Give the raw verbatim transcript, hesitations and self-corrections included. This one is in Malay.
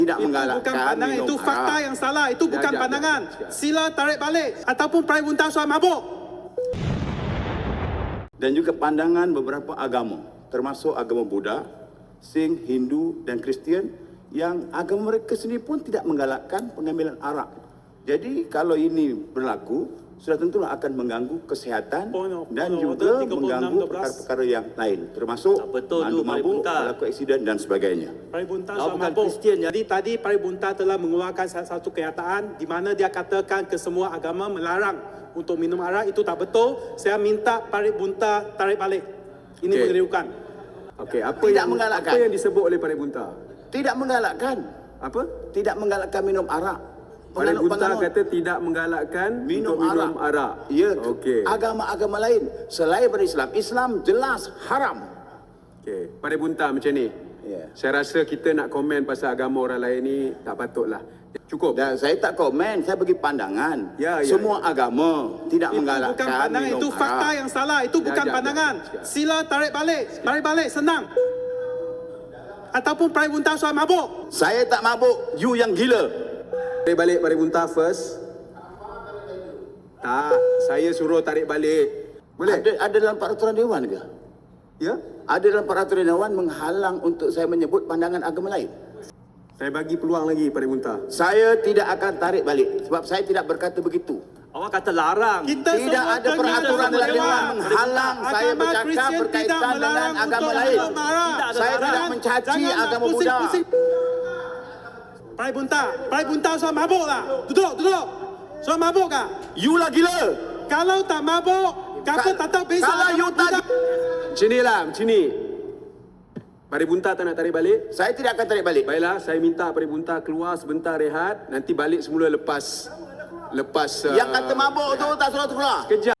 Tidak Itu menggalakkan bukan pandangan, minum itu fakta arak. yang salah. Itu Ya, bukan ya, ya, pandangan. ya. Sila tarik balik. Ataupun Prime Bunta soal mabuk. Dan juga pandangan beberapa agama, termasuk agama Buddha, Sikh, Hindu dan Kristian, yang agama mereka sendiri pun tidak menggalakkan pengambilan arak. Jadi kalau ini berlaku, sudah tentulah akan mengganggu kesehatan Oh, no. dan Oh, no. juga tiga puluh enam mengganggu dua belas. perkara-perkara yang lain, termasuk Tak betul tu, mandu Mari mabuk, Bunta. berlaku aksiden dan sebagainya. Prime Bunta Kau soal bukan mabuk. Kristian, ya? Jadi tadi Prime Bunta telah mengeluarkan satu kenyataan di mana dia katakan ke semua agama melarang untuk minum arak. Itu tak betul. Saya minta Prime Bunta tarik balik. Ini Okey. mengeriukan. Okey, apa Tidak yang menggalakkan. apa yang disebut oleh Pare Bunta? Tidak menggalakkan, Apa? tidak menggalakkan minum arak. Pare Bunta Penganut-penganut kata tidak menggalakkan minum untuk minum arak. arak. Ya, Okey. agama-agama lain selain daripada Islam, Islam jelas haram. Okey, Pare Bunta macam ni. Ya. Saya rasa kita nak komen pasal agama orang lain ni tak patutlah. Cukup. Dan saya tak komen, saya bagi pandangan. Ya, ya, Semua agama tidak Itu menggalakkan bukan pandangan, minum itu fakta arak. yang salah. Itu Ya, bukan ya, ya. pandangan. Sekejap. Sila tarik balik. Tarik balik, senang. Ataupun Prime Bunta soal mabuk. Saya tak mabuk, you yang gila. Tarik balik Pare Bunta first. Tak, saya suruh tarik balik. Boleh? Ada, ada dalam peraturan dewan ke? Ya? Ada dalam peraturan dewan menghalang untuk saya menyebut pandangan agama lain. Saya bagi peluang lagi Pare Bunta. Saya tidak akan tarik balik sebab saya tidak berkata begitu. Awak kata larang. Kita Tidak semua ada dengar peraturan dalam dalam dewan dewan. menghalang saya Agama bercakap Kristian tidak berkaitan dengan melarang agama untuk lain. minum arak. Tidak ada Saya larang. tidak mencaci Jangan nak agama Buddha. pusing-pusing. Prime Bunta, Prime Bunta soal mabuk lah. Duduk, duduk. Soal mabuk kah? You lah gila. Kalau tak mabuk, kata Ka- tetap beza. kalau you tak Macam ni lah, macam ni. Pare Bunta tak nak tarik balik? saya tidak akan tarik balik. Baiklah, saya minta Pare Bunta keluar sebentar rehat. Nanti balik semula lepas... Lepas... Yang kata mabuk tu tak suruh keluar. Kejap.